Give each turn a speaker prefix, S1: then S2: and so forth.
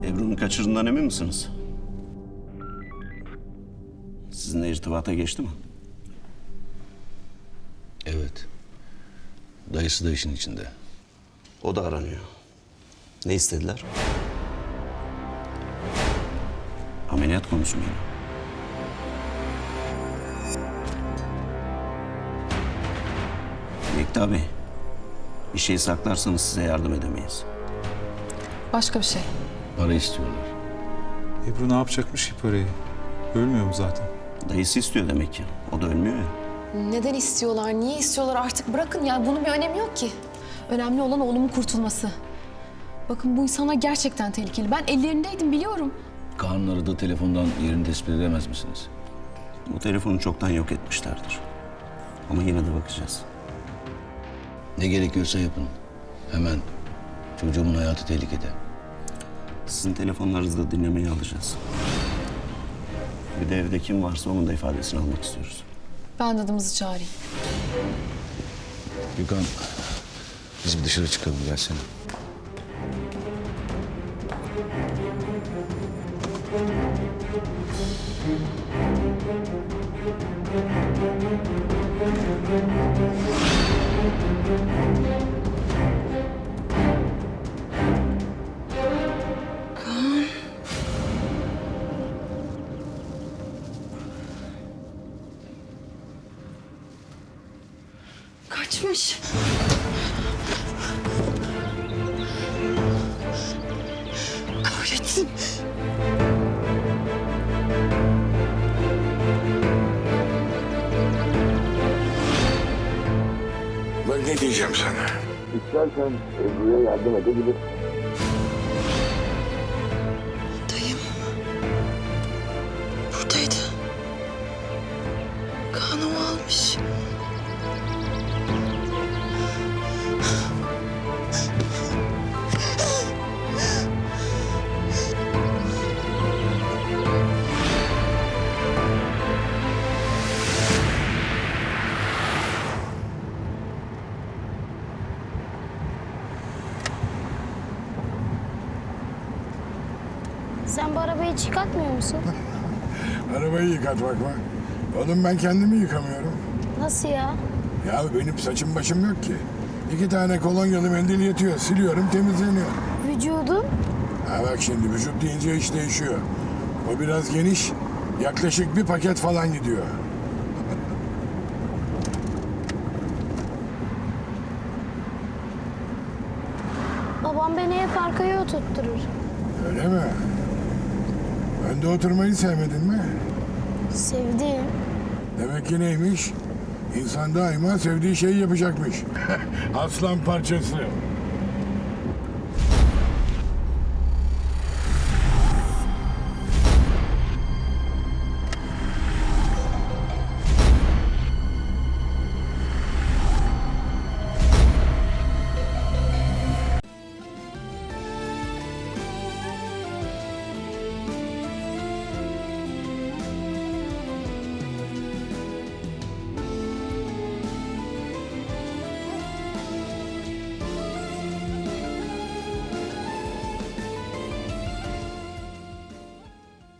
S1: Ebru'nu kaçırdığından emin misiniz? Sizinle irtibata geçti mi?
S2: Evet. Dayısı da işin içinde.
S1: O da aranıyor. Ne istediler? Ameliyat konusu mu yine? Yekta Bey, bir şey saklarsanız size yardım edemeyiz.
S3: Başka bir şey.
S2: Para istiyorlar.
S4: Ebru ne yapacakmış ki parayı? Ölmüyor mu zaten?
S1: Dayısı istiyor demek ki. O da ölmüyor ya.
S3: Neden istiyorlar, niye istiyorlar artık bırakın yani bunun bir önemi yok ki. Önemli olan oğlumun kurtulması. Bakın bu insanlar gerçekten tehlikeli. Ben ellerindeydim biliyorum.
S2: Kaanları da telefondan yerini tespit edemez misiniz?
S1: Bu telefonu çoktan yok etmişlerdir. Ama yine de bakacağız.
S2: Ne gerekiyorsa yapın. Hemen. Çocuğumun hayatı tehlikede.
S1: Sizin telefonlarınızı da dinlemeye alacağız. Bir de evde kim varsa onun da ifadesini almak istiyoruz.
S3: Ben dadımızı çağırayım.
S2: Gökhan, biz bir dışarı çıkalım. Gelsene.
S3: Kaçmış. Kahretsin.
S5: Bak ne diyeceğim sana.
S6: İstersen Ebru'ya yardım edebilir.
S3: Dayım buradaydı. Kanımı almış.
S7: Sen bu arabayı çıkartmıyor musun?
S5: Arabayı yıkatmak mı? Oğlum ben kendimi yıkamıyorum.
S7: Nasıl ya?
S5: Ya benim saçım başım yok ki. 2 tane kolonyalı mendil yetiyor. Siliyorum temizleniyor.
S7: Vücudun?
S5: Ha bak şimdi vücut deyince iş değişiyor. O biraz geniş. Yaklaşık bir paket falan gidiyor.
S7: Babam beni hep arkaya oturtturur.
S5: Öyle mi? Önde oturmayı sevmedin mi?
S7: Sevdiğim.
S5: Demek ki neymiş? İnsan daima sevdiği şeyi yapacakmış. Aslan parçası.